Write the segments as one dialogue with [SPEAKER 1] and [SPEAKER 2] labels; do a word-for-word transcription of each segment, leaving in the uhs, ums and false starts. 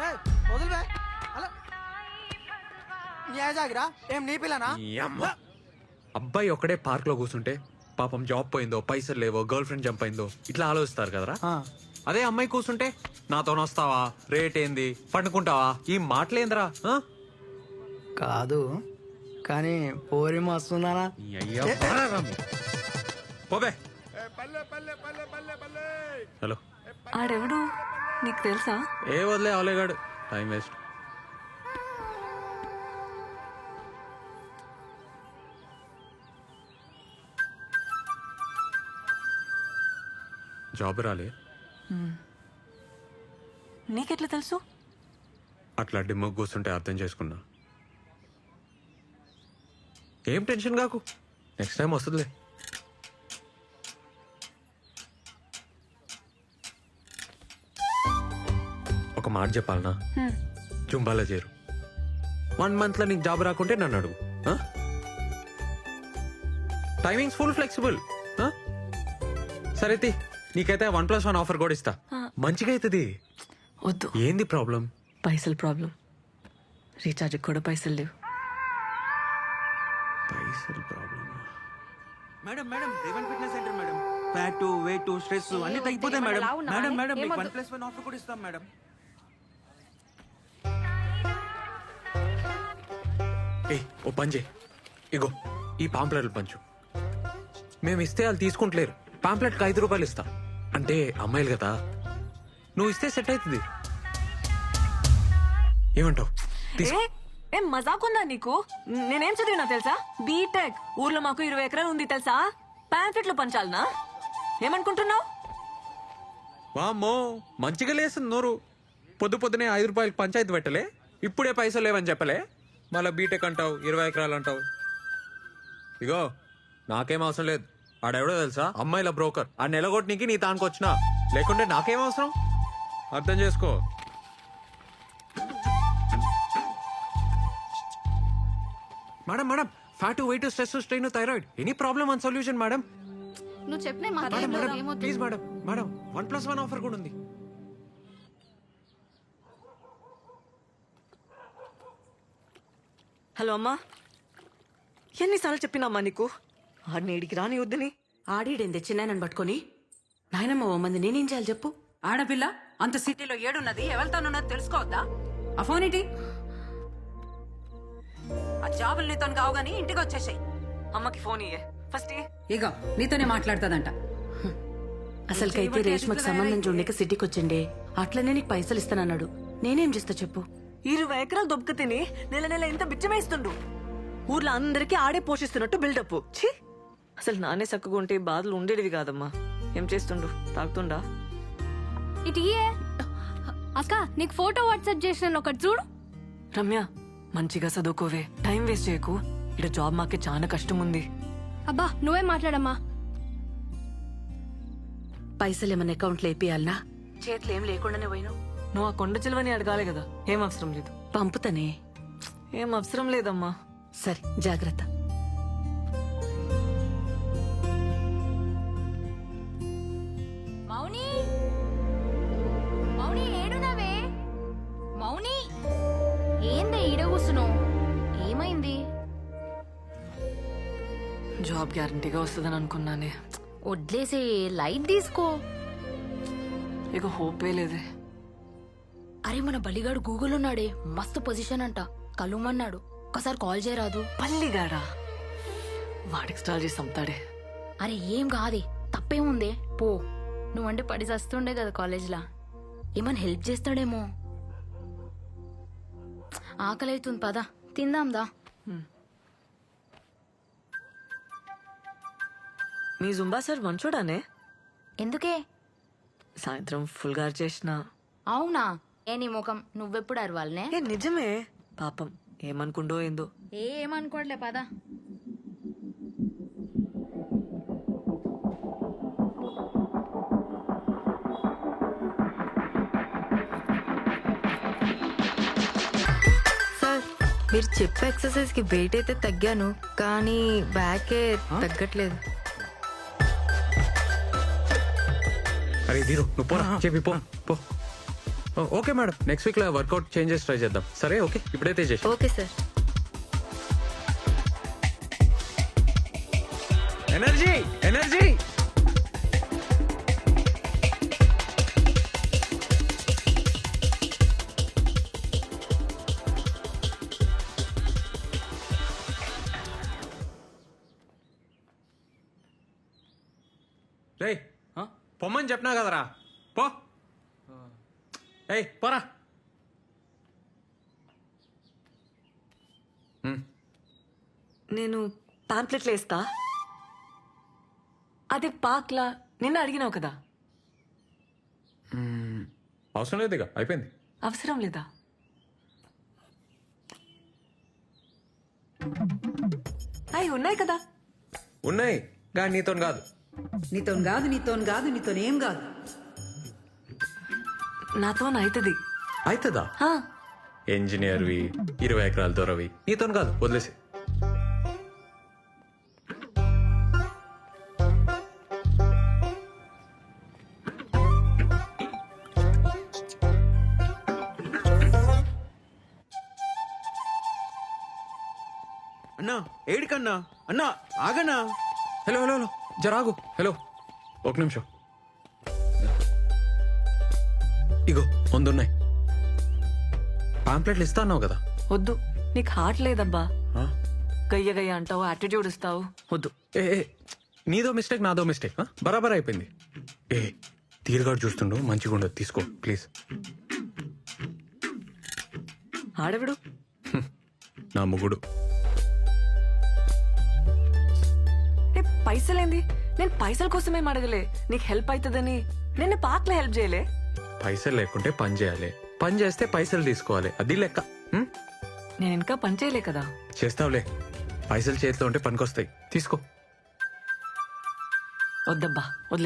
[SPEAKER 1] వదిలివే అలా జాగిరా ఏం నీ పిల్లనా
[SPEAKER 2] ఈ అమ్మ. అబ్బాయి ఒక్కడే పార్క్ లో కూర్చుంటే పాపం జాబ్ పోయిందో పైసలు లేవో గర్ల్ ఫ్రెండ్ జంప్ అయిందో ఇట్లా ఆలోచిస్తారు కదరా. అదే అమ్మాయి కూర్చుంటే నాతో వస్తావా, రేట్ ఏంది, పండుకుంటావా, ఈ మాటలేందిరా. ఆ?
[SPEAKER 1] కాదు కానీ పోరి మస్తున్నానా
[SPEAKER 2] ఈ అయ్యా బారారా మీరు. పోవే. హలో
[SPEAKER 3] ఆడెవడు నీకు తెలుసా?
[SPEAKER 2] ఏ వదిలే అవలేగాడు, టైం వేస్ట్. జాబ్ రాలే.
[SPEAKER 3] నీకెట్లా తెలుసు?
[SPEAKER 2] అట్లా డిమ్మ కూర్చుంటే అర్థం చేసుకున్నా. ఏం టెన్షన్ కాకు, నెక్స్ట్ టైం వస్తుందిలే. ఒక మాట చెప్పాలనా, జుంబాలో చేరు. వన్ మంత్ లో నీకు జాబ్ రాకుంటే నన్ను అడుగు. Timings full flexible. సరే తీ, నీకైతే వన్ ప్లస్ వన్ ఆఫర్ కూడా ఇస్తా. మంచిగా అవుతుంది.
[SPEAKER 3] వద్దు.
[SPEAKER 2] ఏంది ప్రాబ్లం?
[SPEAKER 3] పైసలు ప్రాబ్లం. రీఛార్జ్ కూడా పైసలు లేవు.
[SPEAKER 2] పైసలు problem.
[SPEAKER 4] Madam madam Revan fitness centre madam. Fat weight stress అన్ని తగ్గిపోతాయి మేడం. మేడం మేడం మీకు వన్ ప్లస్ వన్ ఆఫర్ కూడా ఇస్తాం మేడం.
[SPEAKER 2] ఏ ఓ పంజే, ఇగో ఈ పాంప్లెట్లు పంచు. మేము ఇస్తే వాళ్ళు తీసుకుంటలేరు. పాంప్లెట్కి ఐదు రూపాయలు ఇస్తా. అంటే అమ్మాయిలు కదా, నువ్వు ఇస్తే సెట్ అవుతుంది. ఏమంటావు?
[SPEAKER 3] ఏం మజాకుందా నీకు? నేనేం చదివినా తెలుసా? బీటెక్. ఊర్లో మాకు ఇరవై ఎకరాలు ఉంది తెలుసా? పాంప్లెట్లు పంచాలనా? ఏమనుకుంటున్నావు?
[SPEAKER 2] వామ్మో, మంచిగా లేస్తుంది నోరు. పొద్దు పొద్దునే ఐదు రూపాయలకి పంచాయతీ పెట్టలే, ఇప్పుడే పైసలు లేవని చెప్పలే, మళ్ళీ బీటెక్ అంటావు, ఇరవై ఎకరాలు అంటావు. ఇగో నాకేం అవసరం లేదు. ఆడెవడో తెలుసా? అమ్మాయిల బ్రోకర్. ఆ నెలగొట్టనికి నీ తానికి వచ్చినా, లేకుంటే నాకేం అవసరం? అర్థం చేసుకో. Madam madam fat weight stress strain thyroid any problem one solution madam.
[SPEAKER 5] నువ్వు చెప్పిన
[SPEAKER 2] madam madam please madam madam one plus one offer కూడా ఉంది.
[SPEAKER 3] హలో అమ్మా, ఎన్నిసార్లు చెప్పినామ్మా నీకు ఆడిని ఇడికి రాని వద్దని?
[SPEAKER 6] ఆడిడేంది చిన్నాయనని పట్టుకొని నాయనమ్మ ఓ మంది నేనేం చేయాలి చెప్పు?
[SPEAKER 7] ఆడపిల్ల అంత సిటీలో ఏడున్నది, ఎవరితోనున్నది తెలుసుకోవద్దా? ఆ ఫోన్ ఏంటి? ఆ జాబులు నీతో కావు గానీ ఇంటికి వచ్చేసాయి.
[SPEAKER 3] అమ్మకి ఫోన్ ఇయ్యే ఫస్ట్.
[SPEAKER 7] ఇగో నీతోనే మాట్లాడుతుందంట.
[SPEAKER 6] అసలుకైతే రేష్మకు సంబంధం చూడక సిటీకి వచ్చిండే, అట్లనే నీకు పైసలు ఇస్తానన్నాడు. నేనేం చేస్తా చెప్పు?
[SPEAKER 3] ఇరవై ఎకరాలు దొబ్బక తిని నెల నెల ఇంత బిచ్చమేస్తుండు. ఊర్లో అందరికీ ఆడే పోషిస్తున్నట్టు బిల్డప్. ఛీ, అసలు నానే చక్కగా ఉంటే బాధలు ఉండేటివి కాదమ్మా. ఏం చేస్తుండు? తాగుతుండా?
[SPEAKER 5] ఇటు ఇయే అక్క, నీకు ఫోటో వాట్సాప్ చేసిన ఒకటి చూడు.
[SPEAKER 3] రమ్య, మంచిగా చదువుకోవే, టైం వేస్ట్ చేయకు. ఇక్కడ జాబ్ మాకే చాలా కష్టం ఉంది.
[SPEAKER 5] అబ్బా నువ్వే మాట్లాడమ్మా.
[SPEAKER 6] పైసలు ఏమన్నా అకౌంట్లో వేపియాలనా? చేతులు ఏం లేకుండానే పోయినావు.
[SPEAKER 3] నువ్వు ఆ కొండ చిలువని అడగాలి కదా. ఏం అవసరం లేదు.
[SPEAKER 6] పంపుతానే.
[SPEAKER 3] ఏం అవసరం లేదమ్మా.
[SPEAKER 6] సరే జాగ్రత్త.
[SPEAKER 5] మౌని మౌని ఏడునవే? మౌని ఏందే ఈడ కూసున్నావు? ఏమైంది?
[SPEAKER 3] జాబ్ గ్యారంటీగా వస్తుందని అనుకున్నానే.
[SPEAKER 5] వడ్లేసే, లైట్ తీసుకో.
[SPEAKER 3] ఇక హోపే లేదే.
[SPEAKER 5] అరే మన బలిగాడు గూగుల్ ఉన్నాడే, మస్తు పొజిషన్ అంట, కలుమన్నాడు. ఒకసారి కాల్ చేయరాదు?
[SPEAKER 3] పల్లిగాడా? వాడికి స్టాల్ చేసి చంపుతాడే.
[SPEAKER 5] అరే ఏం కాదే, తప్పేముందే, పో. నువ్వంటే పడి చస్తుండే కదా కాలేజ్లా, ఏమన్నా హెల్ప్ చేస్తాడేమో. ఆకలి అవుతుంది, పదా తిందాందా.
[SPEAKER 3] మీ జుంబా సార్ మంచోడానే?
[SPEAKER 5] ఎందుకే?
[SPEAKER 3] సాయంత్రం ఫుల్ గారు చేసిన.
[SPEAKER 5] అవునా? ఏ నీ ముఖం, నువ్వెప్పుడు అరవాలనే?
[SPEAKER 3] ఏ నిజమే. పాపం ఏమనుకుండో ఏందో.
[SPEAKER 5] ఏ ఏమనుకోవట్లే, పదా.
[SPEAKER 8] సార్, మీరు చెప్పే ఎక్సర్సైజ్ కి వెయిట్ అయితే తగ్గాను, కానీ బ్యాకే తగ్గట్లేదు.
[SPEAKER 2] అరే దీరు నువ్వు పోరా, చెప్పి పో పో. ఓకే మేడం, నెక్స్ట్ వీక్ లో వర్కౌట్ చేంజెస్ ట్రై చేద్దాం. సరే ఓకే, ఇప్పుడైతే చేసి
[SPEAKER 8] ఓకే సార్.
[SPEAKER 2] Energy energy. రేయ్ పొమ్మని చెప్పినా కదరా, పో. ఏయ్ పోరా.
[SPEAKER 3] నేను పాంప్లెట్లు వేస్తా. అదే పాక్లా నిన్న అడిగినావు కదా,
[SPEAKER 2] అవసరం లేదు, ఇక అయిపోయింది.
[SPEAKER 3] అవసరం లేదా? అవి ఉన్నాయి కదా.
[SPEAKER 2] ఉన్నాయి కానీ నీతో కాదు.
[SPEAKER 7] నీతో కాదు నీతో కాదు నీతో ఏం కాదు.
[SPEAKER 3] నాతో అవుతుంది.
[SPEAKER 2] అవుతుందా? ఇంజనీర్వి, ఇరవై ఎకరాల దొరవి, నీతో కాదు, వదిలేసి.
[SPEAKER 4] అన్నా ఏడికన్నా అన్నా ఆగన్నా.
[SPEAKER 2] హలో హలో హలో జరాగు. హలో ఒక నిమిషం. ఇగో వందున్నాయి. పాంప్లెట్లు ఇస్తా అన్నావు కదా.
[SPEAKER 3] వద్దు, నీకు హార్ట్ లేదబ్బా.
[SPEAKER 2] ఆ?
[SPEAKER 3] గయ్య గయ్య అంటావు, యాటిట్యూడ్ ఇస్తావు. వద్దు.
[SPEAKER 2] ఏ ఏ, నీదో మిస్టేక్ నాదో మిస్టేక్. బరాబర్ అయిపోయింది. ఏ తీరుగాడు చూస్తుండు, మంచిగా ఉండదు, తీసుకో ప్లీజ్.
[SPEAKER 3] ఆడవిడు
[SPEAKER 2] నా ముగుడు.
[SPEAKER 3] ఏ పైసలేంది? నేను పైసల కోసమేం అడగలే, నీకు హెల్ప్ అవుతుందని. నిన్న పాక్లో హెల్ప్ చేయలే.
[SPEAKER 2] పైసలు లేకుంటే పని చేయాలి, పని చేస్తే పైసలు తీసుకోవాలి, అది లెక్క. హ్మ్?
[SPEAKER 3] నేను ఇంకా పని చేయలే కదా.
[SPEAKER 2] చేస్తావులే, పైసలు చేతిలో ఉంటే పనికొస్తాయి, తీసుకో.
[SPEAKER 3] వద్దబ్బా, వదిలే.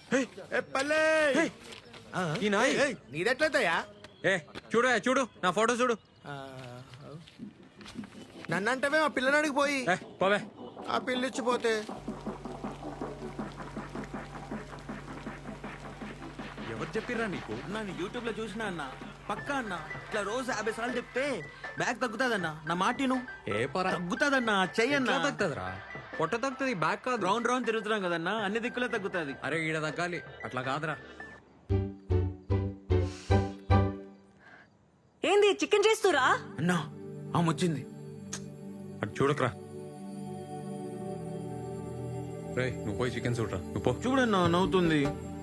[SPEAKER 2] ఈ నాయ్
[SPEAKER 1] నీదెట్లయితయా?
[SPEAKER 2] ఏ చూడు ఏ, చూడు నా ఫోటో చూడు.
[SPEAKER 1] నన్నంటవే మా పిల్లనాడికి పోయి
[SPEAKER 2] ఏ పోవే.
[SPEAKER 1] ఆ పిల్లిచ్చిపోతే
[SPEAKER 2] ఎవరు చెప్పిర్రా నీకు?
[SPEAKER 4] అన్నా నేను యూట్యూబ్ లో చూసినా అన్న, పక్కా అన్న. ఇట్లా రోజు యాభై సార్లు చెప్తే బ్యాగ్ తగ్గుతాదన్నా. నా మాటిను.
[SPEAKER 2] ఏ పొరా
[SPEAKER 4] తగ్గుతాదన్నా, చెయ్యన్నా.
[SPEAKER 2] ఎట్లా తగ్గుతుందిరా? పొట్ట తగ్గుతుంది, బ్యాక్ కాదు.
[SPEAKER 4] రౌండ్ రౌండ్ తిరుగుతున్నాం కదన్నా, అన్ని దిక్కులే తగ్గుతాది.
[SPEAKER 2] అరే ఈడ తగ్గాలి, అట్లా కాదురా.
[SPEAKER 3] ఏంది చికెన్ చేస్తురా?
[SPEAKER 4] అన్నా ఆమె వచ్చింది.
[SPEAKER 2] అటు చూడకరా. రే నువ్వు పోయి చికెన్ చూడరా, నువ్వు పో.
[SPEAKER 4] చూడన్నా నవ్వుతుంది.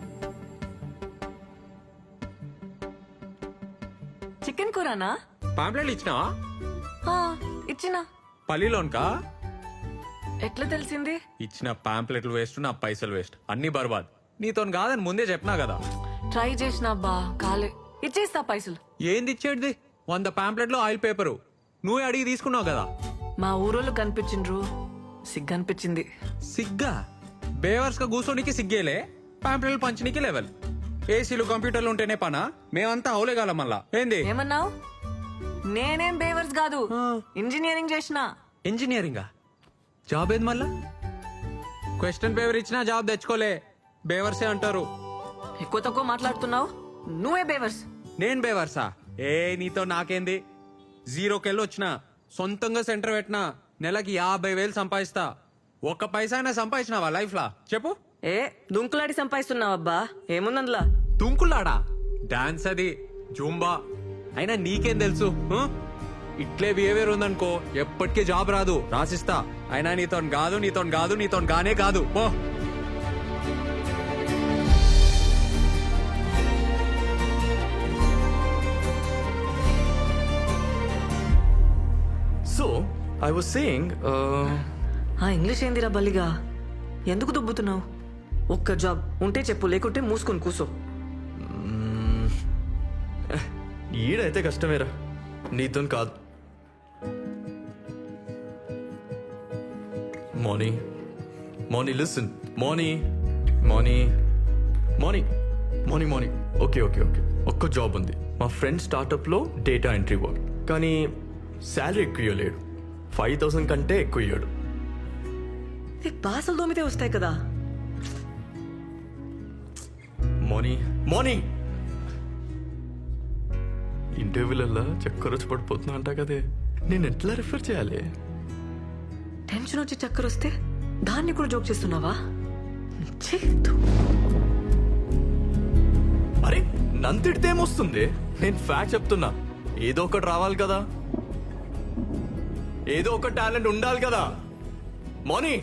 [SPEAKER 3] చికెన్ కూరనా?
[SPEAKER 2] పాంప్లెట్లు ఇచ్చినావా?
[SPEAKER 3] ఆ, ఇచ్చినా.
[SPEAKER 2] పల్లిలోన్కా?
[SPEAKER 3] ఎట్లా తెలిసింది?
[SPEAKER 2] ఇచ్చిన పాంప్లెట్లు వేస్ట్, నా పైసలు వేస్ట్, అన్ని బర్బాద్. నీతో కాదని ముందే చెప్పినా కదా.
[SPEAKER 3] ట్రై చేసినా బా, కాలే. ఇచ్చేస్తా పైసలు.
[SPEAKER 2] ఏంది ఇచ్చేటిది? వంద పాంప్లెట్లు ఆయిల్ పేపరు నువ్వే అడిగి తీసుకున్నావు కదా.
[SPEAKER 3] మా ఊరోళ్ళు కనిపించిండ్రు, సిగ్గనిపించింది.
[SPEAKER 2] సిగ్గా? బేవర్స్ గా కూర్చోనికి సిగ్గేలే, పాంప్లెట్లు పంచనీకి లెవెల్. ఏసీలు కంప్యూటర్లు ఉంటేనే పనా? మేమంతా అవులేగాలం మళ్ళా. ఏంది
[SPEAKER 3] ఏమన్నావు? నేనేం బేవర్స్ కాదు, ఇంజనీరింగ్ చేసిన.
[SPEAKER 2] ఇంజనీరింగా? జాబ్ ఏది మళ్ళా? క్వశ్చన్ పేపర్ ఇచ్చినా జాబ్ తెచ్చుకోలే, బేవర్సే అంటారు.
[SPEAKER 3] ఎక్కువ తక్కువ మాట్లాడుతున్నావు, నువ్వే బేవర్స్.
[SPEAKER 2] నేను బేవర్సా? ఏ నీతో నాకేంది? జీరోకెళ్ళి వచ్చిన, సొంతంగా సెంటర్ పెట్టినా, నెలకి యాభై వేలు సంపాదిస్తా. ఒక్క పైసా అయినా సంపాదించినావా లైఫ్ లా చెప్పు?
[SPEAKER 3] ఏ దుంకులాడి సంపాదిస్తున్నావబ్బా, ఏముందందులా?
[SPEAKER 2] తుంకులాడా? డాన్స్ అది, జూంబా. అయినా నీకేం తెలుసు? ఆ? ఇట్లే బిహేవియర్ ఉందనుకో ఎప్పటికీ జాబ్ రాదు, రాసిస్తా. అయినా నీతో కాదు, నీతో కాదు, నీతో గానే కాదు, పో.
[SPEAKER 9] So, I was saying, uh,
[SPEAKER 3] ఆ ఇంగ్లీష్ ఏందిరా బల్లిగా? ఎందుకు దుబ్బుతున్నావు? ఒక్క జాబ్ ఉంటే చెప్పు, లేకుంటే మూసుకొని కూసో.
[SPEAKER 9] ఈడైతే కష్టమేరా, నీతో కాదు. Moni Moni listen Moni Moni Moni Moni Moni okay okay okay ఒక్క జాబ్ ఉంది మా ఫ్రెండ్ స్టార్టప్లో డేటా ఎంట్రీ వర్క్, కానీ శాలరీ ఎక్కువ ఇవ్వలేడు. ఫైవ్ థౌసండ్ కంటే ఎక్కువ ఇవ్వడు.
[SPEAKER 3] బాసలు దోమితే వస్తాయి కదా.
[SPEAKER 9] మోనీ మోనీ ఇంటర్వ్యూలలో చక్కర వచ్చి పడిపోతున్నా అంటా కదే నేను ఎట్లా రిఫర్ చేయాలి?
[SPEAKER 3] టెన్షన్ వచ్చి చక్కర వస్తే దాన్ని కూడా జోక్ చేస్తున్నావా? ఛీ, ధూ.
[SPEAKER 9] అరే నంతిడితే ఏమొస్తుంది? నేను ఫ్యాక్ట్ చెప్తున్నా. ఏదో ఒకటి రావాలి కదా, ఏదో ఒక టాలెంట్ ఉండాలి కదా. మోనీ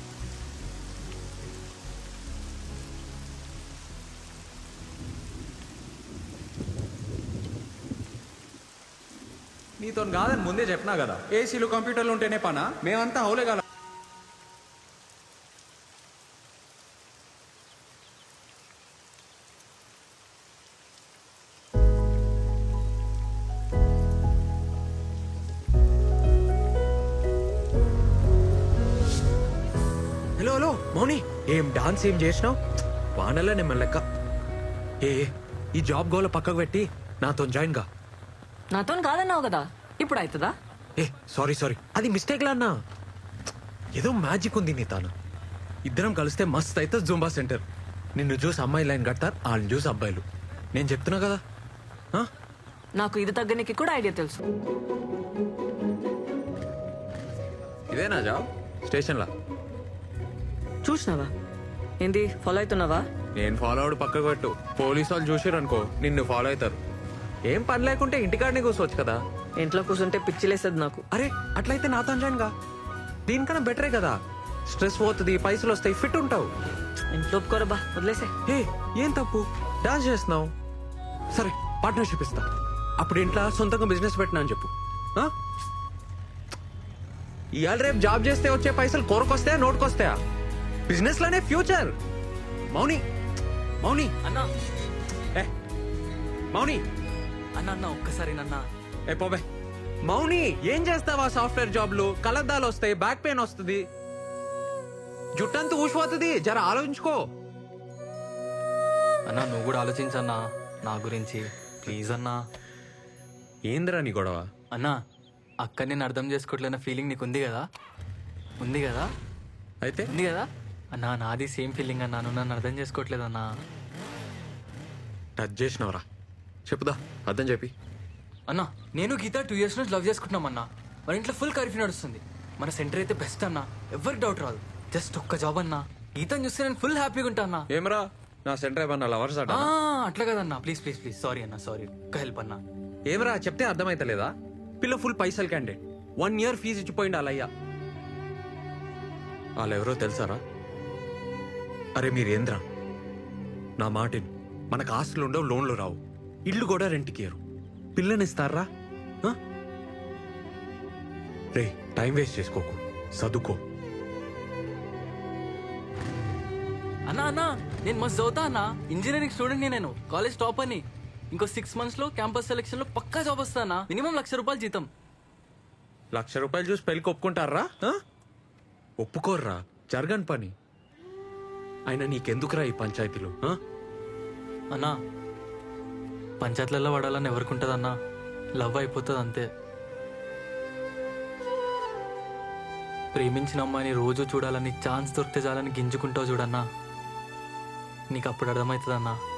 [SPEAKER 2] నీతో కాదని ముందే చెప్పినా కదా, ఏసీలు కంప్యూటర్లు ఉంటేనే పనా? మేమంతా హౌలే కదా. హలో హలో మౌని, ఏం డాన్స్ ఏం చేసినావు? వానల్లా నేను లెక్క. ఏ ఈ జాబ్ గోల పక్కకు పెట్టి నాతో జాయిన్ గా.
[SPEAKER 3] నాతో కాదన్నావు కదా, ఇప్పుడు అవుతుందా?
[SPEAKER 2] ఏ సారీ సారీ, అది మిస్టేక్ లా అన్నా. ఏదో మ్యాజిక్ ఉంది నీ తాను. ఇద్దరం కలిస్తే మస్త్ అయితే జూంబా సెంటర్. నిన్ను చూసి అమ్మాయి లైన్ కడతారు, వాళ్ళని చూసి అబ్బాయిలు. నేను చెప్తున్నా కదా. ఆ?
[SPEAKER 3] నాకు ఇది తగ్గనికి కూడా ఐడియా తెలుసు.
[SPEAKER 2] ఇదేనా జాబ్? స్టేషన్లా
[SPEAKER 3] చూసినావా? ఏంది ఫాలో అవుతున్నావా?
[SPEAKER 2] నేను ఫాలో అవడు పక్కకు పెట్టు. పోలీసు వాళ్ళు చూసారు అనుకో నిన్ను ఫాలో అవుతారు. ఏం పని లేకుంటే ఇంటికాడనే కూర్చోవచ్చు కదా.
[SPEAKER 3] ఇంట్లో కూర్చుంటే పిచ్చిలేసేది నాకు.
[SPEAKER 2] అరే అట్లయితే నాతో జాయిన్ గా. దీనికన్నా బెటరే కదా. స్ట్రెస్ పోతుంది, పైసలు వస్తాయి, ఫిట్ ఉంటావు.
[SPEAKER 3] ఇంట్లో ఒప్పుకోరా బా, వదిలేసే.
[SPEAKER 2] ఏ ఏం తప్పు, డాన్స్ చేస్తున్నావు. సరే పార్ట్నర్షిప్ ఇస్తా. అప్పుడు ఇంట్లో సొంతంగా బిజినెస్ పెట్టినా అని చెప్పు. ఆ? ఇవాళ రేపు జాబ్ చేస్తే వచ్చే పైసలు కోరకొస్తాయా నోటుకొస్తాయా? బిజినెస్ లోనే ఫ్యూచర్. మౌని మౌని
[SPEAKER 4] అన్నా
[SPEAKER 2] ఏ మౌని
[SPEAKER 4] అన్న అన్న ఒక్కసారి నన్న
[SPEAKER 2] ఏ పోబే. మౌని ఏం చేస్తావా? సాఫ్ట్వేర్ జాబ్లు కలద్దాలు వస్తాయి, బ్యాక్ పెయిన్ వస్తుంది, జుట్టంతా ఊసిపోతుంది. జర ఆలోచించుకో.
[SPEAKER 4] అన్నా నువ్వు కూడా ఆలోచించన్నా నా గురించి ప్లీజ్ అన్నా.
[SPEAKER 2] ఏందిరా నీ గొడవ?
[SPEAKER 4] అన్నా అక్క నేను అర్థం చేసుకోవట్లేన ఫీలింగ్ నీకు ఉంది కదా? ఉంది కదా?
[SPEAKER 2] అయితే
[SPEAKER 4] ఉంది కదా అన్నా? నాది సేమ్ ఫీలింగ్ అన్నా, నువ్వు నన్ను అర్థం చేసుకోవట్లేదన్నా.
[SPEAKER 2] టచ్ చేసినవరా? చెప్పుదా, అర్థం చెప్పి.
[SPEAKER 4] అన్నా నేను గీత టూ ఇయర్స్ నుంచి లవ్ చేసుకుంటున్నాం అన్నా. మన ఇంట్లో ఫుల్ కర్ఫ్యూ నడుస్తుంది. మన సెంటర్ అయితే బెస్ట్ అన్నా, ఎవరికి డౌట్ రాదు. జస్ట్ ఒక్క జాబ్ అన్నా, గీతను చూస్తే నేను ఫుల్ హ్యాపీగా ఉంటా అన్నా.
[SPEAKER 2] ఏమరా నా సెంటర్ ఏమన్నా లవర్స్ అట?
[SPEAKER 4] ఆ, అట్లా కదన్నా, ప్లీజ్ ప్లీజ్ ప్లీజ్ సారీ అన్నా, సారీ. ఒక్క హెల్ప్ అన్నా.
[SPEAKER 2] ఏమరా చెప్తే అర్థమైతలేదా? పిల్ల ఫుల్ పైసలు క్యాండిడేట్, వన్ ఇయర్ ఫీజు ఇచ్చిపోయింది వాళ్ళయ్యా. వాళ్ళెవరో తెలుసారా? అరే మీరేంద్రా, నా మాటిని. మనకు ఆస్తులు ఉండవు, లోన్లు రావు, ఇల్లు కూడా రెంట్కి ఇయ్యరు. పిల్లనిస్తారా? ఆ? రే టైం వేస్ట్ చేసుకోకు, చదువుకో.
[SPEAKER 4] అన్నా అన్నా నేను మస్తు చదువుతా అన్నా. ఇంజనీరింగ్ స్టూడెంట్ నేను, కాలేజ్ టాప్ అని. ఇంకో సిక్స్ మంత్స్ లో క్యాంపస్ సెలెక్షన్ లో పక్కా జాబ్ వస్తానా. మినిమం లక్ష రూపాయలు జీతం.
[SPEAKER 2] లక్ష రూపాయలు చూసి పెళ్ళికి ఒప్పుకుంటారా? ఆ? ఒప్పుకోర్రా, జరగని పని. అయినా నీకెందుకురా ఈ పంచాయతీలు? ఆ?
[SPEAKER 4] అన్నా పంచాయతీలలో పడాలని ఎవరికి ఉంటుంది అన్నా? లవ్ అయిపోతుంది అంతే. ప్రేమించిన అమ్మాయిని రోజు చూడాలని, ఛాన్స్ దొరికితే చాలని గింజుకుంటావు చూడన్నా. నీకు అప్పుడు అర్థమవుతుంది అన్నా.